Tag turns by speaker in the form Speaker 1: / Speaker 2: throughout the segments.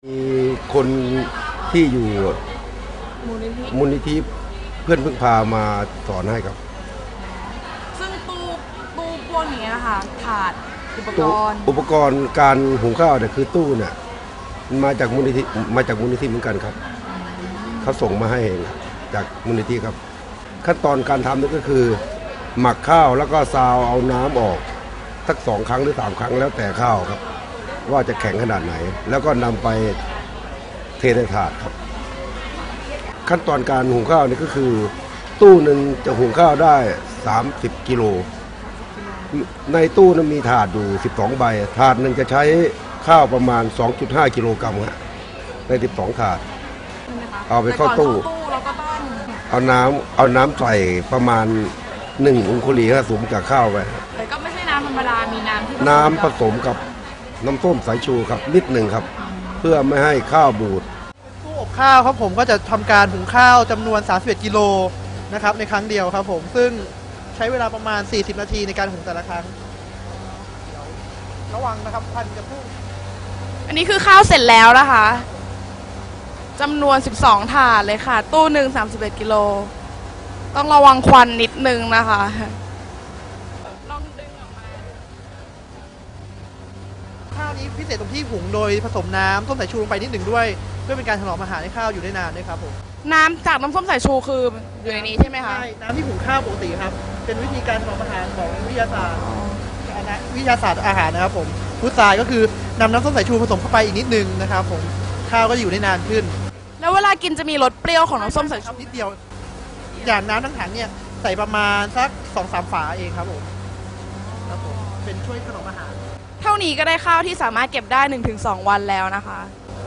Speaker 1: มีคนที่อยู่มูลนิธิเพื่อนพึ่งพามาสอนให้ครับ
Speaker 2: ซึ่งตู้พวกนี้ค่ะขาดอุปกรณ์
Speaker 1: การหุงข้าวเนี่ยคือตู้เนี่ยมาจากมูลนิธิเหมือนกันครับเขาส่งมาให้จากมูลนิธิครับขั้นตอนการทำนี่ก็คือหมักข้าวแล้วก็ซาวเอาน้ำออกสัก2 ครั้งหรือ3 ครั้งแล้วแต่ข้าวครับว่าจะแข็งขนาดไหนแล้วก็นำไปเทในถาดครับขั้นตอนการหุงข้าวนี่ก็คือตู้หนึ่งจะหุงข้าวได้30 กิโลในตู้นั้นมีถาดอยู่12 ใบถาดหนึ่งจะใช้ข้าวประมาณ 2.5 กิโลกรัมฮะใน12 ถาดเอาไปเข้าตู้เอาน้ำใส่ประมาณ1 องคุลีสูงจากข้าวไป
Speaker 2: แต่ก็ไม่ใช่น้ำธรรมดามี
Speaker 1: น้ำผสมกับน้ำส้มสายชูครับนิดหนึ่งครับเพื่อไม่ให้ข้าวบูด
Speaker 3: ตู้อบข้าวครับผมก็จะทำการหุงข้าวจำนวน31 กิโลนะครับในครั้งเดียวครับผมซึ่งใช้เวลาประมาณ40 นาทีในการหุงแต่ละครั้งระวังนะครับควันจะพุ่ง
Speaker 2: อันนี้คือข้าวเสร็จแล้วนะคะจำนวน12 ถาดเลยค่ะตู้หนึ่ง31 กิโลต้องระวังควันนิดนึงนะคะลองดึงออกมา
Speaker 3: ข้าวนี้พิเศษตรงที่หุงโดยผสมน้ำส้มสายชูลงไปนิดหนึ่งด้วยเพื่อเป็นการถนอมอาหารให้ข้าวอยู่ได้นานด้วยครับผม
Speaker 2: น้ำจากน้ำส้มสายชูคืออยู่ในนี้ใช่ไหมคะ
Speaker 3: ใช่น้ำที่หุงข้าวปกติครับเป็นวิธีการถนอมอาหารของวิทยาศาสตร์อาหารนะครับผมพุทรายก็คือนำน้ำส้มสายชูผสมเข้าไปอีกนิดนึงนะครับผมข้าวก็อยู่ได้นานขึ้น
Speaker 2: แล้วเวลากินจะมีรสเปรี้ยวของน้ำส้มสายชู
Speaker 3: นิดเดียวอย่างน้ำทั้งถังเนี่ยใส่ประมาณสัก 2-3 ฝาเองครับผมเป็นช่วยถนอมอาหาร
Speaker 2: เท่านี้ก็ได้ข้าวที่สามารถเก็บได้ 1-2 วันแล้วนะคะ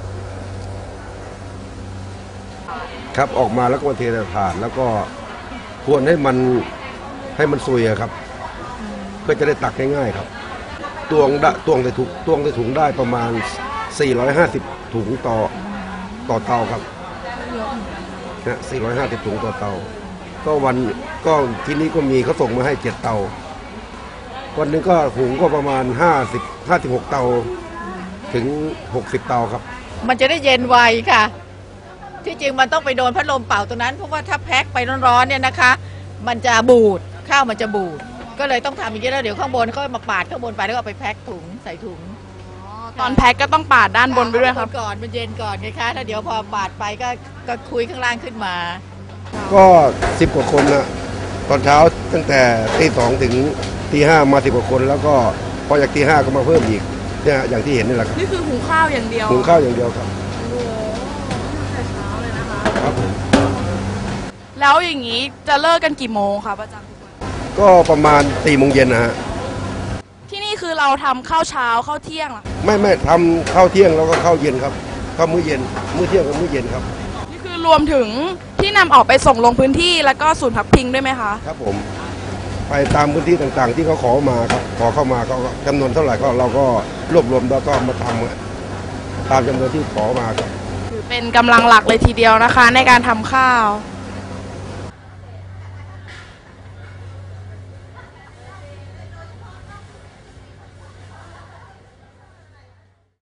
Speaker 1: ครับออกมาแล้วก็เทใส่ถาดแล้วก็ควรให้มันซุยครับเพื่อจะได้ตักง่ายๆครับตวงใส่ถุงได้ประมาณ450 ถุงต่อเตาครับนะ450 ถุงต่อเตาก็ที่นี้ก็มีเขาส่งมาให้7 เตาวันนึงก็หุงก็ประมาณ56 เตาถึง60 เตาครับ
Speaker 4: มันจะได้เย็นไวค่ะที่จริงมันต้องไปโดนพัดลมเป่าตัวนั้นเพราะว่าถ้าแพ็คไปร้อนๆเนี่ยนะคะมันจะบูดข้าวมันจะบูดก็เลยต้องทำอย่างนี้แล้วเดี๋ยวข้างบนเขามาปาดข้างบนไปแล้วก็ไปแพ็คถุงใส่ถุง
Speaker 2: ตอนแพ็คก็ต้องปาดด้านบนไปด้วยครับ
Speaker 4: ก่อนมันเย็นก่อนไงคะถ้าเดี๋ยวพอปาดไปก็คุยข้างล่างขึ้นมา
Speaker 1: ก็10 กว่าคนนะตอนเช้าตั้งแต่ตี 2 ถึงตี 5มา10 กว่าคนแล้วก็พอจากตี 5ก็มาเพิ่มอีกเนี่ยอย่างที่เห็นนี่แหละครับ
Speaker 2: นี่คือหุงข้าวอย่างเดียว
Speaker 1: หุงข้าวอย่างเดียวครับ
Speaker 2: โอ้แต่เช้าเลยนะคะ
Speaker 1: ครับผม
Speaker 2: แล้วอย่างนี้จะเลิกกันกี่โมงคะประจำทุกวัน
Speaker 1: ก็ประมาณ4 โมงเย็นนะฮะ
Speaker 2: ที่นี่คือเราทำข้าวเช้าข้าวเที่ยงหรอ
Speaker 1: ไม่ทำข้าวเที่ยงแล้วก็ข้าวเย็นครับข้าวมื้อเย็นมื้อเที่ยงกับมื้อเย็นครับ
Speaker 2: นี่คือรวมถึงที่นำออกไปส่งลงพื้นที่แล้วก็ศูนย์พักพิงด้วยไหมคะ
Speaker 1: ครับผมไปตามพื้นที่ต่างๆที่เขาขอมาครับขอเข้ามาก็จำนวนเท่าไหร่ก็เราก็รวบรวมแล้วก็มาทำตามจำนวนที่ขอมาครับ
Speaker 2: คือเป็นกำลังหลักเลยทีเดียวนะคะในการทำข้าว